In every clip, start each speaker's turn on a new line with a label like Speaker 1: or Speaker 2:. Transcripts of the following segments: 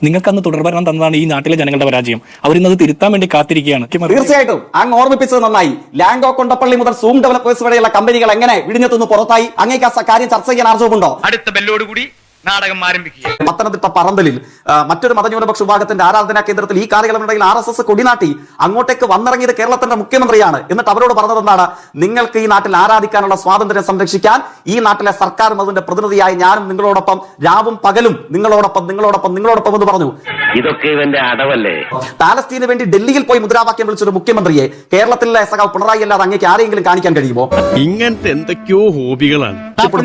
Speaker 1: നിങ്ങൾക്ക് അന്ന് തുടർഭരണം തന്നതാണ് ഈ നാട്ടിലെ ജനങ്ങളുടെ പരാജയം. അവരിന്നത് തിരുത്താൻ വേണ്ടി കാത്തിരിക്കുകയാണ്.
Speaker 2: തീർച്ചയായിട്ടും അങ്ങ് ഓർമ്മിപ്പിച്ചത് നന്നായി. ലാംഗോ കൊണ്ടപ്പള്ളി മുതൽ സൂം ഡെവലപ്പേഴ്സ് വരെയുള്ള കമ്പനികൾ എങ്ങനെ വിഴിഞ്ഞത്തുനിന്ന് പുറത്തായി? അങ്ങേക്ക് ആ കാര്യം ചർച്ച ചെയ്യാൻ ആർജവുമുണ്ടോ?
Speaker 3: അടുത്ത ബെല്ലോടുകൂടി നാടകം ആരംഭിക്കുക.
Speaker 2: പത്തനംതിട്ട പറന്തലിൽ മറ്റൊരു മതന്യൂനപക്ഷ വിഭാഗത്തിന്റെ ആരാധനാ കേന്ദ്രത്തിൽ ഈ കാലയളവിനിടയിൽ RSS കൊടിനാട്ടി അങ്ങോട്ടേക്ക് വന്നിറങ്ങിയത് കേരളത്തിന്റെ മുഖ്യമന്ത്രിയാണ്. എന്നിട്ട് അവരോട് പറഞ്ഞത് എന്താണ്? നിങ്ങൾക്ക് ഈ നാട്ടിൽ ആരാധിക്കാനുള്ള സ്വാതന്ത്ര്യം സംരക്ഷിക്കാൻ ഈ നാട്ടിലെ സർക്കാരും അതിന്റെ പ്രതിനിധിയായി ഞാനും നിങ്ങളോടൊപ്പം രാവും പകലും നിങ്ങളോടൊപ്പം എന്ന് പറഞ്ഞു.
Speaker 4: ഇതൊക്കെ ഇവന്റെ അടവല്ലേ?
Speaker 2: പാലസ്തീന് വേണ്ടി ഡൽഹിയിൽ പോയി മുദ്രാവാക്യം വിളിച്ചൊരു മുഖ്യമന്ത്രിയെ കേരളത്തിലെ സഖാവ് പിണറായി അല്ലാതെ അങ്ങേക്ക് ആരെങ്കിലും കാണിക്കാൻ കഴിയുമോ?
Speaker 5: ഇങ്ങനത്തെ എന്തൊക്കെയോ ഹോബികളാണ്.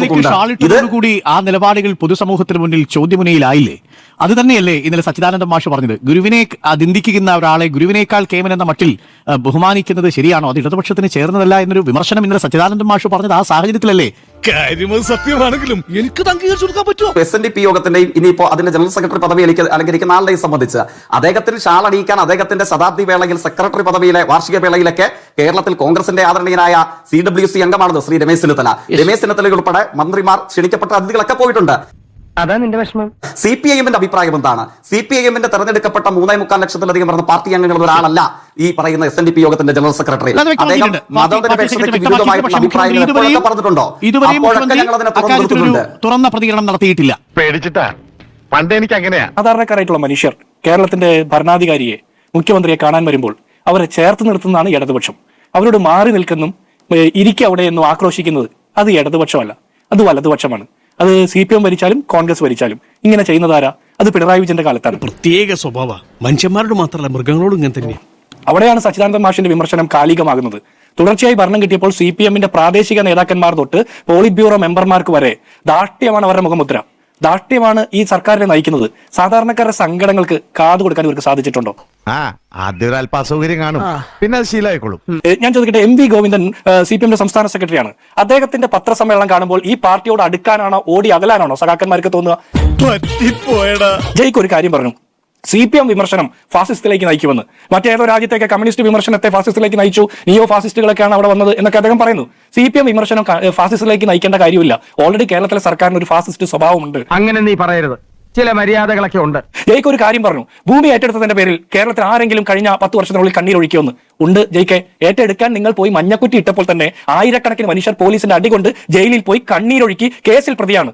Speaker 6: കൂടി ആ നിലപാടുകൾ പൊതുസമൂഹത്തിന് മുന്നിൽ ചോദ്യമുനയിലായില്ലേ? അത് തന്നെയല്ലേ ഇന്നലെ സച്ചിദാനന്ദ മാഷ് പറഞ്ഞത്? ഗുരുവിനെ നിന്ദിക്കുന്ന ഒരാളെ ഗുരുവിനേക്കാൾ കേമൻ എന്ന മട്ടിൽ ബഹുമാനിക്കുന്നത് ശരിയാണോ? അത് ഇടതുപക്ഷത്തിന് ചേർന്നതല്ല എന്നൊരു വിമർശനം ഇന്നലെ സച്ചിദാനന്ദ മാഷ് പറഞ്ഞത് ആ സാഹചര്യത്തിലല്ലേ?
Speaker 5: കാര്യമത് സത്യമാണെങ്കിലും എനിക്ക് അംഗീകരിച്ചു കൊടുക്കാൻ പറ്റുമോ?
Speaker 2: SNDP യോഗത്തിന്റെയും ഇനിയിപ്പോ അതിന്റെ ജനറൽ സെക്രട്ടറി പദവി അലങ്കരിക്കുന്ന ആളുടെയും സംബന്ധിച്ച് അദ്ദേഹത്തിന് ഷാൾ അണിയിക്കാൻ അദ്ദേഹത്തിന്റെ ശതാബ്ദി വേളയിൽ സെക്രട്ടറി പദവിയിലെ വാർഷിക വേളയിലൊക്കെ കേരളത്തിൽ കോൺഗ്രസിന്റെ ആദരണീയനായ CWC അംഗമാണല്ലോ ശ്രീ രമേശ് ചെന്നിത്തല. രമേശ് ചെന്നിത്തല ഉൾപ്പെടെ മന്ത്രിമാർ, ക്ഷണിക്കപ്പെട്ട അതിഥികളൊക്കെ പോയിട്ടുണ്ട്.
Speaker 4: അതാ നിന്റെ വിഷമം.
Speaker 2: CPIMന്റെ അഭിപ്രായം എന്താണ്? CPIMന്റെ തെരഞ്ഞെടുക്കപ്പെട്ട 3.25 ലക്ഷത്തിലധികം വരുന്ന പാർട്ടി അംഗങ്ങൾ ഒരാളല്ല ഈ പറയുന്ന SNDP യോഗത്തിന്റെ ജനറൽ സെക്രട്ടറി. അദ്ദേഹം മതനിരപേക്ഷതയ്ക്ക് വിരുദ്ധമായിട്ടുള്ള അഭിപ്രായങ്ങൾ എപ്പോഴൊക്കെ പറഞ്ഞിട്ടുണ്ടോ? അപ്പോഴൊക്കെ ഞങ്ങൾ അതിനെ
Speaker 6: തുറന്ന പ്രതികരണം നടത്തിയിട്ടില്ല.
Speaker 5: പേടിച്ചിട്ടാ. പണ്ട് എനിക്ക് അങ്ങനെയാ.
Speaker 1: സാധാരണക്കാരായിട്ടുള്ള മനുഷ്യർ കേരളത്തിന്റെ ഭരണാധികാരിയെ, മുഖ്യമന്ത്രിയെ കാണാൻ വരുമ്പോൾ അവരെ ചേർത്ത് നിർത്തുന്നതാണ് ഇടതുപക്ഷം. അവരോട് മാറി നിൽക്കുന്നും ഇരിക്കുക അവിടെ എന്നും ആക്രോശിക്കുന്നത് അത് ഇടതുപക്ഷമല്ല, അത് വലതുപക്ഷമാണ്. അത് CPM ഭരിച്ചാലും കോൺഗ്രസ് ഭരിച്ചാലും ഇങ്ങനെ ചെയ്യുന്നതാരാ? അത് പിണറായി വിജയന്റെ കാലത്താണ്.
Speaker 5: പ്രത്യേക സ്വഭാവ മനുഷ്യന്മാരോട് മാത്രമല്ല മൃഗങ്ങളോടും ഇങ്ങനെ തന്നെ.
Speaker 1: അവിടെയാണ് സച്ചിദാനന്ദ മാഷിന്റെ വിമർശനം കാലികമാകുന്നത്. തുടർച്ചയായി ഭരണം കിട്ടിയപ്പോൾ CPMന്റെ പ്രാദേശിക നേതാക്കന്മാർ തൊട്ട് പോളിറ്റ് ബ്യൂറോ മെമ്പർമാർക്ക് വരെ ധാർഷ്ട്യമാണ് അവരുടെ മുഖമുദ്ര. ധാർഷ്ട്യമാണ് ഈ സർക്കാരിനെ നയിക്കുന്നത്. സാധാരണക്കാരുടെ സങ്കടങ്ങൾക്ക് കാതു കൊടുക്കാൻ ഇവർക്ക് സാധിച്ചിട്ടുണ്ടോ?
Speaker 7: ആദ്യം അല്പ അസൗകര്യം കാണും, പിന്നെ അത് ശീലമായിക്കോളും.
Speaker 1: ഞാൻ ചോദിക്കട്ടെ, MV ഗോവിന്ദൻ CPMന്റെ സംസ്ഥാന സെക്രട്ടറിയാണ്. അദ്ദേഹത്തിന്റെ പത്രസമ്മേളനം കാണുമ്പോൾ ഈ പാർട്ടിയോട് അടുക്കാനാണോ ഓടി അകലാനാണോ സഖാക്കന്മാർക്ക് തോന്നുക? ജയ്ക്ക് ഒരു കാര്യം പറഞ്ഞു, CPM വിമർശനം ഫാസിസത്തിലേക്ക് നയിക്കുമെന്ന്. മറ്റേതോ രാജ്യത്തേക്ക് കമ്മ്യൂണിസ്റ്റ് വിമർശനത്തെ ഫാസിസത്തിലേക്ക് നയിച്ചു, നിയോ ഫാസിസ്റ്റുകളൊക്കെയാണ് അവിടെ വന്നത് എന്നൊക്കെ അദ്ദേഹം പറയുന്നു. CPM വിമർശനം ഫാസിസത്തിലേക്ക് നയിക്കേണ്ട കാര്യമില്ല. ഓൾറെഡി കേരളത്തിലെ സർക്കാരിന് ഒരു ഫാസിസ്റ്റ് സ്വഭാവമുണ്ട്.
Speaker 3: അങ്ങനെ നീ പറയരുത്, ചില മര്യാദകളൊക്കെ ഉണ്ട്.
Speaker 1: ജയ്ക്ക് ഒരു കാര്യം പറഞ്ഞു, ഭൂമി ഏറ്റെടുത്തതിന്റെ പേരിൽ കേരളത്തിൽ ആരെങ്കിലും കഴിഞ്ഞ 10 വർഷത്തിനുള്ളിൽ കണ്ണീരൊഴുക്കിയൊന്ന് ഉണ്ട്. ജയ്ക്ക് ഏറ്റെടുക്കാൻ നിങ്ങൾ പോയി മഞ്ഞക്കുറ്റി ഇട്ടപ്പോൾ തന്നെ ആയിരക്കണക്കിന് മനുഷ്യർ പോലീസിന്റെ അടികൊണ്ട് ജയിലിൽ പോയി കണ്ണീരൊഴുക്കി കേസിൽ പ്രതിയാണ്.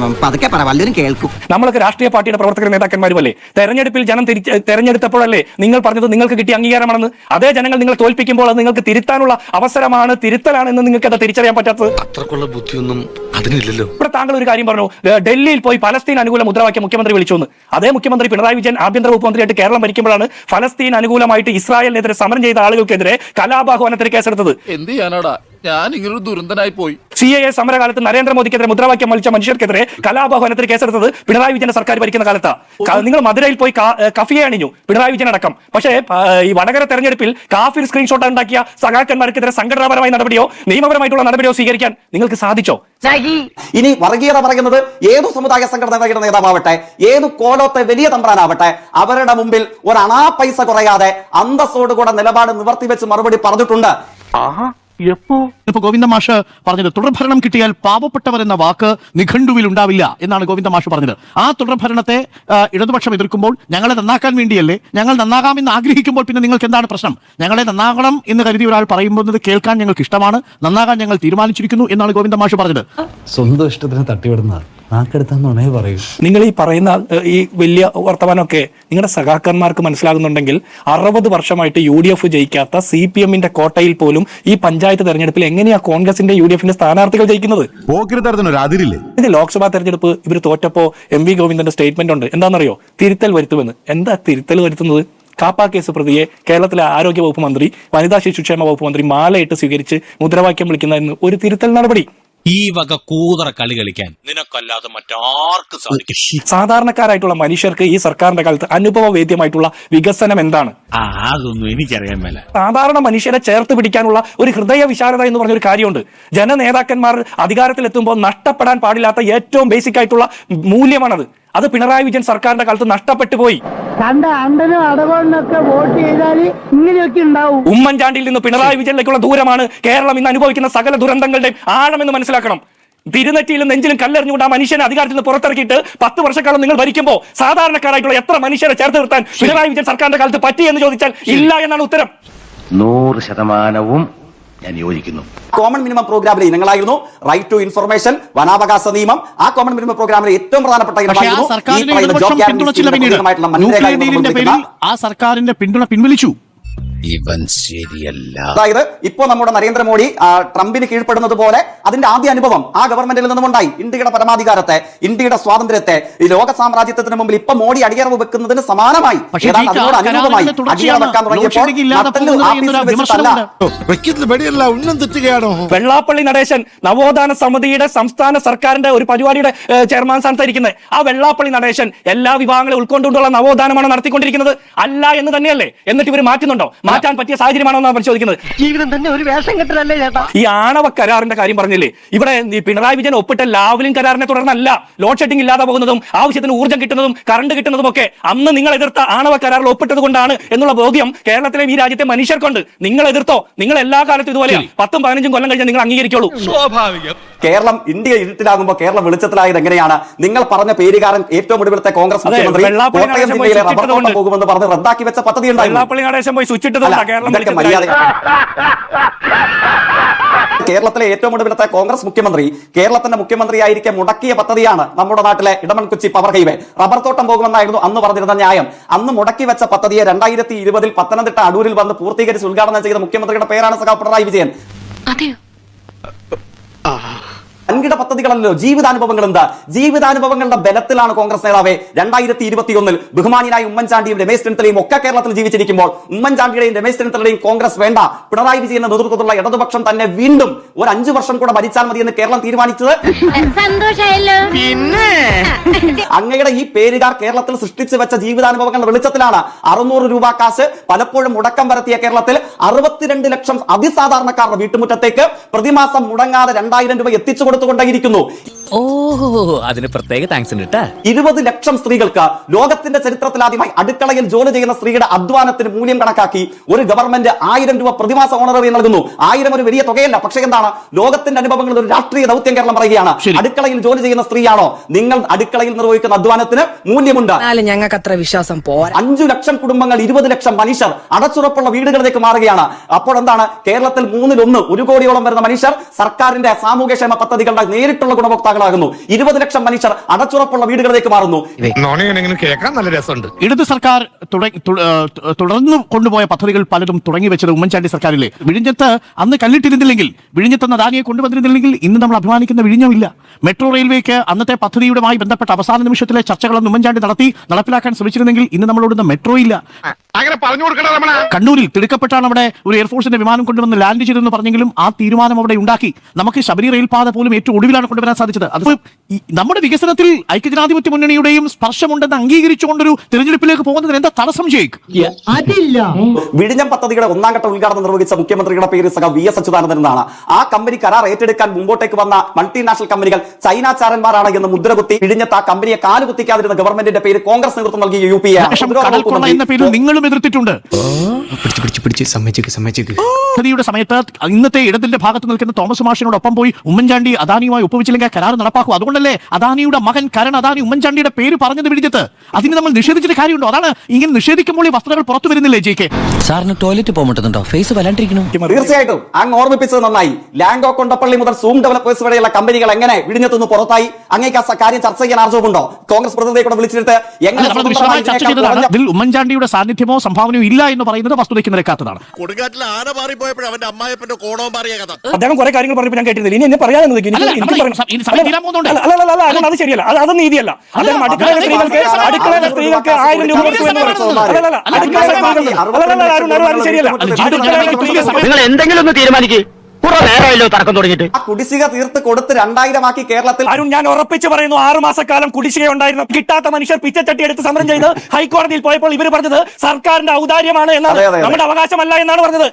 Speaker 1: നമ്മളൊക്കെ രാഷ്ട്രീയ പാർട്ടിയുടെ പ്രവർത്തകർ നേതാക്കന്മാരുമല്ലേ? തെരഞ്ഞെടുപ്പിൽ ജനം തെരഞ്ഞെടുത്തപ്പോഴല്ലേ നിങ്ങൾ പറഞ്ഞത് നിങ്ങൾക്ക് കിട്ടിയ അംഗീകാരമാണെന്ന്? അതേ ജനങ്ങൾ നിങ്ങൾ തോൽപ്പിക്കുമ്പോൾ അത് നിങ്ങൾക്ക് തിരുത്താനുള്ള അവസരമാണ്, തിരുത്തലാണ് എന്ന് നിങ്ങൾക്ക് അത് തിരിച്ചറിയാൻ പറ്റാത്തത്?
Speaker 7: അത്രക്കുള്ള ബുദ്ധിയൊന്നും അതിനില്ലല്ലോ.
Speaker 1: ഇവിടെ താങ്കൾ ഒരു കാര്യം പറഞ്ഞു, ഡൽഹിയിൽ പോയി ഫലസ്തീൻ അനുകൂല മുദ്രാവാക്യം മുഖ്യമന്ത്രി വിളിച്ചു. അതേ മുഖ്യമന്ത്രി പിണറായി വിജയൻ ആഭ്യന്തര വകുപ്പ് മന്ത്രിയായിട്ട് കേരളം ഭരിക്കുമ്പോഴാണ് ഫലസ്തീൻ അനുകൂലമായിട്ട് ഇസ്രായേലിനെതിരെ സമരം ചെയ്ത ആളുകൾക്കെതിരെ കലാപാഹ്വാനത്തിന് കേസെടുത്തത്.
Speaker 8: എന്ത് ചെയ്യാനാടാ, ഞാൻ ഇങ്ങനൊരു ദുരന്തനായി പോയി.
Speaker 1: CAA സമരകാലത്ത് നരേന്ദ്രമോദിക്കെതിരെ മുദ്രാവാക്യം വലിച്ച മനുഷ്യർക്കെതിരെ കലാപാഹ്വാനത്തിന് കേസെടുത്തത് പിണറായി വിജയന്റെ സർക്കാർ ഭരിക്കുന്ന കാലത്താണ്. നിങ്ങൾ മധുരയിൽ പോയി കഫിയെ അണിഞ്ഞു, പിണറായി വിജയൻ അടക്കം. പക്ഷേ ഈ വടകര തെരഞ്ഞെടുപ്പിൽ കാഫിർ സ്ക്രീൻഷോട്ട് ഉണ്ടാക്കിയ സഖാക്കന്മാർക്കെതിരെ സംഘടനാപരമായ നടപടിയോ നിയമപരമായിട്ടുള്ള നടപടിയോ സ്വീകരിക്കാൻ നിങ്ങൾക്ക് സാധിച്ചോ?
Speaker 2: ഇനി വർഗീയത പറയുന്നത് ഏതു സമുദായ സംഘടനയുടെ നേതാവട്ടെ, ഏതു കോലത്തെ വലിയ തമ്പ്രാനാവട്ടെ, അവരുടെ മുമ്പിൽ ഒരു അണാ പൈസ കുറയാതെ അന്തസ്സോടുകൂടെ നിലപാട് നിവർത്തിവെച്ച് മറുപടി പറഞ്ഞിട്ടുണ്ട്.
Speaker 6: ഇപ്പൊ ഗോവിന്ദ മാഷ് പറഞ്ഞത് തുടർഭരണം കിട്ടിയാൽ പാവപ്പെട്ടവർ എന്ന വാക്ക് നിഘണ്ടുവിൽ ഉണ്ടാവില്ല എന്നാണ് ഗോവിന്ദ മാഷ് പറഞ്ഞത്. ആ തുടർഭരണത്തെ ഇടതുപക്ഷം എതിർക്കുമ്പോൾ ഞങ്ങളെ നന്നാക്കാൻ വേണ്ടിയല്ലേ? ഞങ്ങൾ നന്നാകാമെന്ന് ആഗ്രഹിക്കുമ്പോൾ പിന്നെ നിങ്ങൾക്ക് എന്താണ് പ്രശ്നം? ഞങ്ങളെ നന്നാകണം എന്ന് കരുതി ഒരാൾ പറയുമ്പോൾ കേൾക്കാൻ ഞങ്ങൾക്ക് ഇഷ്ടമാണ്, നന്നാകാൻ ഞങ്ങൾ തീരുമാനിച്ചിരിക്കുന്നു എന്നാണ് ഗോവിന്ദ മാഷ് പറഞ്ഞത്.
Speaker 9: സ്വന്തം ഇഷ്ടത്തിന് തട്ടിവിടുന്ന നാക്കെടുത്താന്നുണേ പറയൂ.
Speaker 1: നിങ്ങൾ ഈ പറയുന്ന ഈ വലിയ വർത്തമാനമൊക്കെ നിങ്ങളുടെ സഖാക്കന്മാർക്ക് മനസ്സിലാകുന്നുണ്ടെങ്കിൽ 60 വർഷമായിട്ട് UDF ജയിക്കാത്ത CPMന്റെ കോട്ടയിൽ പോലും ഈ പഞ്ചായത്ത് തെരഞ്ഞെടുപ്പിൽ എങ്ങനെയാ കോൺഗ്രസിന്റെ UDFന്റെ സ്ഥാനാർത്ഥികൾ ജയിക്കുന്നത്? ഇത് ലോക്സഭാ തെരഞ്ഞെടുപ്പ് ഇവർ തോറ്റപ്പോ MV ഗോവിന്ദന്റെ സ്റ്റേറ്റ്മെന്റ് ഉണ്ട്, എന്താണെന്നറിയോ? തിരുത്തൽ വരുത്തുമെന്ന്. എന്താ തിരുത്തൽ വരുത്തുന്നത്? കാപ്പ കേസ് പ്രതിയെ കേരളത്തിലെ ആരോഗ്യ വകുപ്പ് മന്ത്രി, വനിതാ ശിശുക്ഷേമ വകുപ്പ് മന്ത്രി മാലയിട്ട് സ്വീകരിച്ച് മുദ്രാവാക്യം വിളിക്കുന്ന ഒരു തിരുത്തൽ നടപടി.
Speaker 8: ഈ വക കൂതറ കളി കളിക്കാൻ നിനക്കല്ലാതെ മറ്റാർക്കും സാധിക്കും?
Speaker 1: സാധാരണക്കാരായിട്ടുള്ള മനുഷ്യർക്ക് ഈ സർക്കാരിന്റെ കാലത്ത് അനുഭവവേദ്യമായിട്ടുള്ള വികസനം എന്താണ്?
Speaker 8: അതൊന്നും എനിക്കറിയാൻ മേല.
Speaker 1: സാധാരണ മനുഷ്യരെ ചേർത്ത് പിടിക്കാനുള്ള ഒരു ഹൃദയ വിശാലത എന്ന് പറഞ്ഞൊരു കാര്യമുണ്ട്. ജനനേതാക്കന്മാർ അധികാരത്തിലെത്തുമ്പോൾ നഷ്ടപ്പെടാൻ പാടില്ലാത്ത ഏറ്റവും ബേസിക് ആയിട്ടുള്ള മൂല്യമാണത്. അത് പിണറായി വിജയൻ സർക്കാരിന്റെ കാലത്ത് നഷ്ടപ്പെട്ടു പോയി. ഉമ്മൻചാണ്ടിയിൽ നിന്ന് പിണറായി വിജയനിലേക്കുള്ള ദൂരമാണ് കേരളം ഇന്ന് അനുഭവിക്കുന്ന സകല ദുരന്തങ്ങളുടെയും ആഴമെന്ന് മനസ്സിലാക്കണം. തിരുനെറ്റിയിലും നെഞ്ചിലും കല്ലെറിഞ്ഞുകൊണ്ട് ആ മനുഷ്യനെ അധികാരത്തിൽ നിന്ന് പുറത്തിറക്കിയിട്ട് 10 വർഷക്കാലം നിങ്ങൾ ഭരിക്കുമ്പോൾ സാധാരണക്കാരായിട്ടുള്ള എത്ര മനുഷ്യരെ ചേർത്ത് നിർത്താൻ പിണറായി വിജയൻ സർക്കാരിന്റെ കാലത്ത് പറ്റി എന്ന് ചോദിച്ചാൽ ഇല്ല എന്നാണ് ഉത്തരം.
Speaker 4: 100% ഞാൻ യോജിക്കുന്നു.
Speaker 2: കോമൺ മിനിമം പ്രോഗ്രാമിലെ ഇനങ്ങളായിരുന്നു റൈറ്റ് ടു ഇൻഫർമേഷൻ, വനാവകാശ നിയമം. ആ കോമൺ മിനിമം പ്രോഗ്രാമിലെ ഏറ്റവും പ്രധാനപ്പെട്ട ഇനമായിരുന്നു ഈ പറയുന്ന ജോബ് ഗ്യാരണ്ടി.
Speaker 6: ആ സർക്കാരിന്റെ പിന്തുണ പിൻവലിച്ചു.
Speaker 8: ഇവൻ ശരിയല്ല.
Speaker 2: അതായത് ഇപ്പോ നമ്മുടെ നരേന്ദ്രമോദി ട്രംപിന് കീഴ്പ്പെടുന്നത് പോലെ അതിന്റെ ആദ്യ അനുഭവം ആ ഗവൺമെന്റിൽ നിന്നുമുണ്ടായി. ഇന്ത്യയുടെ പരമാധികാരത്തെ, ഇന്ത്യയുടെ സ്വാതന്ത്ര്യത്തെ ഈ ലോക സാമ്രാജ്യത്തിന് മുമ്പിൽ ഇപ്പൊ മോഡി അടിയറവ് വെക്കുന്നതിന് സമാനമായി അതിനോട് അനുരൂപമായി അടിയറ വെക്കാൻ തുടങ്ങിയപ്പോൾ
Speaker 1: വെള്ളാപ്പള്ളി നടേശൻ നവോത്ഥാന സമിതിയുടെ സംസ്ഥാന സർക്കാരിന്റെ ഒരു പരിപാടിയുടെ ചെയർമാൻ സ്ഥാനത്തായിരിക്കുന്നത്. ആ വെള്ളാപ്പള്ളി നടേശൻ എല്ലാ വിഭാഗങ്ങളെ ഉൾക്കൊണ്ടുകൊണ്ടുള്ള നവോത്ഥാനമാണ് നടത്തിക്കൊണ്ടിരിക്കുന്നത് അല്ല എന്ന് തന്നെയല്ലേ? എന്നിട്ട് ഇവർ മാറ്റുന്നുണ്ടോ? മാറ്റാൻ പറ്റിയ സാഹചര്യമാണോ എന്നാണ് പരിശോധിക്കുന്നത്.
Speaker 4: ജീവിതം തന്നെ ഒരു വേഷം കെട്ടലല്ലേ ചേട്ടാ.
Speaker 1: ഈ ആണവ കരാറിന്റെ കാര്യം പറഞ്ഞില്ലേ, ഇവിടെ പിണറായി വിജയൻ ഒപ്പിട്ട ലാവ്ലിൻ കരാറിനെ തുടർന്നല്ല ലോഡ് ഷെഡിംഗ് ഇല്ലാതെ പോകുന്നതും ആവശ്യത്തിന് ഊർജ്ജം കിട്ടുന്നതും കറണ്ട് കിട്ടുന്നതും ഒക്കെ അന്ന് നിങ്ങൾ എതിർത്ത ആണവ കരാറിൽ ഒപ്പിട്ടത് കൊണ്ടാണ് എന്നുള്ള ബോധ്യം കേരളത്തിലെ ഈ രാജ്യത്തെ മനുഷ്യർക്കുണ്ട്. നിങ്ങൾ എതിർത്തോ? നിങ്ങൾ എല്ലാ കാലത്തും ഇതുപോലെ 10-15 കൊല്ലം കഴിഞ്ഞാൽ നിങ്ങൾ അംഗീകരിക്കുള്ളൂ.
Speaker 3: സ്വാഭാവികം.
Speaker 2: കേരളം ഇന്ത്യ ഇരുട്ടിലാകുമ്പോൾ കേരളം വെളിച്ചത്തിലായത് എങ്ങനെയാണ്? നിങ്ങൾ പറഞ്ഞ പേരുകാരൻ ഏറ്റവും ഒടുവിലത്തെ കോൺഗ്രസ് മുഖ്യമന്ത്രി കോട്ടയം ജില്ലയിലെ റബ്ബർ തോട്ടം പോകുമെന്ന് പറഞ്ഞ് റദ്ദാക്കി വെച്ച പദ്ധതി
Speaker 1: വെള്ളാപ്പള്ളി നടേശൻ പോയി സ്വിച്ചിട്ടത്
Speaker 2: കേരളത്തിലെ ഏറ്റവും ഒടുവിലത്തെ കോൺഗ്രസ് മുഖ്യമന്ത്രി കേരളത്തിന്റെ മുഖ്യമന്ത്രിയായിരിക്കെ മുടക്കിയ പദ്ധതിയാണ് നമ്മുടെ നാട്ടിലെ ഇടമൺകുച്ചി പവർ ഹൈവേ. റബ്ബർ തോട്ടം പോകുമെന്നായിരുന്നു അന്ന് പറഞ്ഞിരുന്ന ന്യായം. അന്ന് മുടക്കി വെച്ച പദ്ധതിയെ 2020 പത്തനംതിട്ട അടൂരിൽ വന്ന് പൂർത്തീകരിച്ച് ഉദ്ഘാടനം ചെയ്ത മുഖ്യമന്ത്രിയുടെ പേരാണ് സഖാവ് പിണറായി വിജയൻ. വൻകിട പദ്ധതികളല്ലോ, ജീവിതാനുഭവങ്ങൾ. എന്താ ജീവിതാനുഭവങ്ങളുടെ ബലത്തിലാണ് കോൺഗ്രസ് നേതാവെ 2021 ബഹുമാനിയായ ഉമ്മൻചാണ്ടിയും രമേശ് ചെന്നിത്തലയും ഒക്കെ കേരളത്തിൽ ജീവിച്ചിരിക്കുമ്പോൾ ഉമ്മൻചാണ്ടിയുടെയും രമേശ് ചെന്നിത്തലയുടെയും കോൺഗ്രസ് വേണ്ട, പിണറായി വിജയന്റെ നേതൃത്വത്തിലുള്ള ഇടതുപക്ഷം തന്നെ വീണ്ടും ഒരു 5 വർഷം കൂടെ ഭരിച്ചാൽ മതി എന്ന് കേരളം തീരുമാനിച്ചത്. അങ്ങയുടെ ഈ പേരുകാർ കേരളത്തിൽ സൃഷ്ടിച്ചു വെച്ച ജീവിതാനുഭവങ്ങളുടെ വെളിച്ചത്തിലാണ് 600 രൂപ കാശ് പലപ്പോഴും മുടക്കം വരുത്തിയ കേരളത്തിൽ 62 ലക്ഷം അതിസാധാരണക്കാരുടെ വീട്ടുമുറ്റത്തേക്ക് പ്രതിമാസം മുടങ്ങാതെ 2000 രൂപ എത്തിച്ചു കൊടുത്തുകൊണ്ടേയിരിക്കുന്നു.
Speaker 8: ഓഹോ, അതിന് പ്രത്യേക താങ്ക്സ് ഉണ്ട്.
Speaker 2: 20 ലക്ഷം സ്ത്രീകൾക്ക് ലോകത്തിന്റെ ചരിത്രത്തിൽ ആദ്യമായി അടുക്കളയിൽ ജോലി ചെയ്യുന്ന സ്ത്രീയുടെ അധ്വാനത്തിന് മൂല്യം കണക്കാക്കി ഒരു ഗവൺമെന്റ് 1000 രൂപ പ്രതിമാസ ഓണററി നൽകുന്നു. 1000 ഒരു വലിയ തുകയല്ല, പക്ഷേ എന്താണ് ലോകത്തിന്റെ അനുഭവങ്ങളിൽ ഒരു രാഷ്ട്രീയ ദൗത്യം കേരളം പറയുകയാണ്. അടുക്കളയിൽ ജോലി ചെയ്യുന്ന സ്ത്രീയാണോ നിങ്ങൾ? അടുക്കളയിൽ നിർവഹിക്കുന്ന അധ്വാനത്തിന് മൂല്യമുണ്ട്.
Speaker 10: ഞങ്ങൾക്ക് അത്ര വിശ്വാസം പോരാ.
Speaker 2: 5 ലക്ഷം കുടുംബങ്ങൾ, 20 ലക്ഷം മനുഷ്യർ അടച്ചുറപ്പുള്ള വീടുകളിലേക്ക് മാറുകയാണ്. അപ്പോൾ എന്താണ് കേരളത്തിൽ 1/3 1 കോടിയോളം വരുന്ന മനുഷ്യർ സർക്കാരിന്റെ സാമൂഹ്യക്ഷേമ പദ്ധതികളുടെ നേരിട്ടുള്ള ഗുണഭോക്താക്കളാകുന്നു. 20 ലക്ഷം മനുഷ്യർ അടച്ചുറപ്പുള്ള വീടുകളിലേക്ക് മാറുന്നു.
Speaker 3: കേൾക്കാൻ നല്ല രസമുണ്ട്.
Speaker 6: ഇടത് സർക്കാർ തുടർന്നു കൊണ്ടുപോയ പദ്ധതികൾ പലതും തുടങ്ങി വെച്ചത് ഉമ്മൻചാണ്ടി സർക്കാരിലെ. വിഴിഞ്ഞത്ത് അന്ന് കല്ലിട്ടിരുന്നില്ലെങ്കിൽ, വിഴിഞ്ഞത്ത് അദാനിയെ കൊണ്ടുവന്നിരുന്നില്ലെങ്കിൽ ഇന്ന് നമ്മൾ അഭിമാനിക്കുന്ന വിഴിഞ്ഞമില്ല. മെട്രോ റെയിൽവേക്ക് അന്നത്തെ പദ്ധതിയുമായി ബന്ധപ്പെട്ട അവസാന നിമിഷത്തിലെ ചർച്ചകളൊന്നും ഉമ്മൻചാണ്ടി നടപ്പിലാക്കാൻ ശ്രമിച്ചിരുന്നെങ്കിൽ ഇന്ന് നമ്മളോടുന്ന മെട്രോ ഇല്ല.
Speaker 3: അങ്ങനെ പറഞ്ഞു കൊടുക്കണം.
Speaker 6: കണ്ണൂരിൽ തിടുക്കപ്പെട്ടാണ് അവിടെ ഒരു എയർഫോഴ്സിന്റെ വിമാനം കൊണ്ടുവന്ന് ലാൻഡ് ചെയ്തെന്ന് പറഞ്ഞെങ്കിലും ആ തീരുമാനം അവിടെ ഉണ്ടാക്കി. നമുക്ക് ശബരി റെയിൽപാത പോലും ഏറ്റവും ഒടുവിലാണ് കൊണ്ടുവരാൻ സാധിച്ചത്. അത് നമ്മുടെ വികസനത്തിൽ ഐക്യജനാധിപത്യ മുന്നണിയുടെയും സ്പർശമുണ്ടെന്ന് അംഗീകരിച്ചുകൊണ്ടൊരു തെരഞ്ഞെടുപ്പിലേക്ക് പോകുന്നതിന് എന്താ തടസ്സം ചെയ്യും?
Speaker 2: വിഴിഞ്ഞം പദ്ധതിയുടെ 1ാം ഘട്ട ഉദ്ഘാടനം നിർവഹിച്ച മുഖ്യമന്ത്രിയുടെ പേര് സഖ വി എസ് അച്യുതാനന്ദൻ എന്നാണ്. ആ കമ്പനി കരാർ ഏറ്റെടുക്കാൻ മുമ്പോട്ടേക്ക് വന്ന മൾട്ടിനാഷണൽ കമ്പനികൾ ചൈനാചാരന്മാരാണ് എന്ന് മുദ്രകുത്തി വിഴിഞ്ഞത്ത് ആ കമ്പനിയെ കാലുകുത്തിക്കാതിരുന്ന ഗവൺമെന്റിന്റെ പേര് കോൺഗ്രസ് നേതൃത്വം നൽകിയ യു പി
Speaker 6: എന്ന പേരിൽ നിങ്ങളും എതിർത്തിട്ടുണ്ട്. പദ്ധതിയുടെ സമയത്ത് ഇന്നത്തെ ഇടതിന്റെ ഭാഗത്ത് നിൽക്കുന്ന തോമസ് മാഷിനോടൊപ്പം പോയി ഉമ്മൻചാണ്ടി അദാനിയുമായി ഒപ്പുവെച്ചില്ലെങ്കിൽ കരാർ നടപ്പാക്കും. അതുകൊണ്ടല്ലേ അദാനിയുടെ മകൻ കരൺ അദാനി ഉമ്മൻചാണ്ടിയുടെ പേര് പറഞ്ഞത് വിഴിഞ്ഞത്ത്. അതിന് നമ്മൾ നിഷേധിച്ചിട്ട് കാര്യമുണ്ടോ? അതാണ് ഇങ്ങനെ നിഷേധിക്കുമ്പോൾ ഈ വസ്തുതകൾ പുറത്തു വരുന്നില്ലേ? ജെ കെ
Speaker 8: സാറിന് ടോയ്ലറ്റ് പോകുന്നുണ്ടോ? ഫേസ് വല്ലാണ്ടിരിക്കണം.
Speaker 2: തീർച്ചയായിട്ടും അങ്ങ് ഓർമ്മിപ്പിച്ചത് നന്നായി. ലാംഗോ കൊണ്ടപ്പള്ളി മുതൽ സൂം ഡെവലപ്പേഴ്സ് വരെയുള്ള കമ്പനികൾ എങ്ങനെ വിഴിഞ്ഞത്തുനിന്ന് പുറത്തായി? അങ്ങേക്ക് ആ കാര്യം ചർച്ച ചെയ്യാൻ ആർജവുമുണ്ടോ? കോൺഗ്രസ് പ്രതിനിധിയെ കൂടെ വിളിച്ചിട്ട്
Speaker 6: ഇതിൽ ഉമ്മൻചാണ്ടിയുടെ സാന്നിധ്യമോ സംഭാവനയോ ഇല്ല എന്ന് പറയുന്നത് വസ്തുതയ്ക്ക് നിരക്കാത്തതാണ്.
Speaker 7: കൊടുങ്കാറ്റിൽ ആന മാറിപ്പോയപ്പോഴും അവന്റെ അമ്മായപ്പന്റെ കോണവും മാറിയ കഥ.
Speaker 1: അദ്ദേഹം കുറെ കാര്യങ്ങൾ പറഞ്ഞപ്പോൾ ഞാൻ കേട്ടിരുന്നില്ല. ഇനി എന്നെ പറയാൻ അത് ശരിയല്ല, അത് നീതിയല്ല. അദ്ദേഹം അടുക്കളയിലെ സ്ത്രീകൾക്ക് 1000 രൂപ കൊടുത്തു എന്ന് പറയുന്നത് ശരിയല്ല.
Speaker 4: നിങ്ങൾ എന്തെങ്കിലും ഒന്ന് തീരുമാനിക്കേ. തർക്കം തുടങ്ങിയിട്ട്
Speaker 2: ആ കുടിശ്ശിക തീർത്ത് കൊടുത്ത് 2000 ആക്കി കേരളത്തിൽ.
Speaker 1: അരുൺ, ഞാൻ ഉറപ്പിച്ച് പറയുന്നു, 6 മാസക്കാലം കുടിശ്ശിക ഉണ്ടായിരുന്നു. കിട്ടാത്ത മനുഷ്യർ പിച്ചച്ചട്ടി എടുത്ത് സമരം ചെയ്ത് ഹൈക്കോടതിയിൽ പോയപ്പോൾ ഇവർ പറഞ്ഞത് സർക്കാരിന്റെ ഔദാര്യമാണ് എന്നാണ്, നമ്മുടെ അവകാശമല്ല എന്നാണ് പറഞ്ഞത്.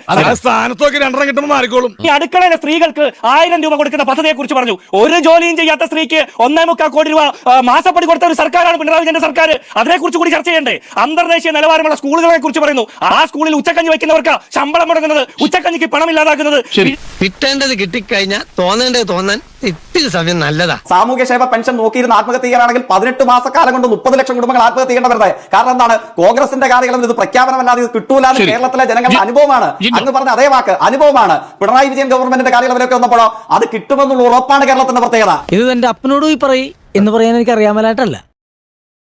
Speaker 1: ഈ അടുക്കളയിലെ സ്ത്രീകൾക്ക് 1000 രൂപ കൊടുക്കുന്ന പദ്ധതിയെ കുറിച്ച് പറഞ്ഞു. ഒരു ജോലിയും ചെയ്യാത്ത സ്ത്രീക്ക് 1.25 കോടി രൂപ മാസപ്പടി കൊടുത്ത ഒരു സർക്കാരാണ് പിണറായി വിജയന്റെ സർക്കാർ. അതിനെക്കുറിച്ച് കൂടി ചർച്ച ചെയ്യണ്ടേ? അന്തർദേശീയ നിലവാരമുള്ള സ്കൂളുകളെ കുറിച്ച് പറയുന്നു. ആ സ്കൂളിൽ ഉച്ചക്കഞ്ഞി വയ്ക്കുന്നവർക്ക് ശമ്പളം മുടങ്ങുന്നത്, ഉച്ചക്കഞ്ഞിക്ക് പണമില്ലാതാക്കുന്നത്.
Speaker 4: കിട്ടേണ്ടത് കിട്ടിക്കഴിഞ്ഞാൽ തോന്നേണ്ടത് തോന്നാൻ ഇത്തിരി സമയം നല്ലതാ.
Speaker 2: സാമൂഹ്യക്ഷേമ പെൻഷൻ നോക്കിയിരുന്ന ആത്മഹത്യ ചെയ്യാനാണെങ്കിൽ 18 മാസക്കാലം കൊണ്ട് 30 ലക്ഷം കുടുംബങ്ങൾ ആത്മഹത്യ ചെയ്യേണ്ട വരുന്നത്. കാരണം എന്താണ്? കോൺഗ്രസിന്റെ കാലയളവിൽ ഇത് പ്രഖ്യാപനമല്ലാതെ ഇത് കിട്ടൂല എന്ന് കേരളത്തിലെ ജനങ്ങളുടെ അനുഭവമാണ്. അങ്ങ് പറഞ്ഞ അതേ വാക്ക് അനുഭവമാണ്. പിണറായി വിജയൻ ഗവൺമെന്റിന്റെ കാലയളവിലൊക്കെ വന്നപ്പോഴോ അത് കിട്ടുമെന്നുള്ള ഉറപ്പാണ് കേരളത്തിന്റെ പ്രത്യേകത.
Speaker 10: ഇത് എന്റെ അപ്പനോട് പോയി പറയും എന്ന് പറയാൻ എനിക്ക് അറിയാമലായിട്ടല്ല.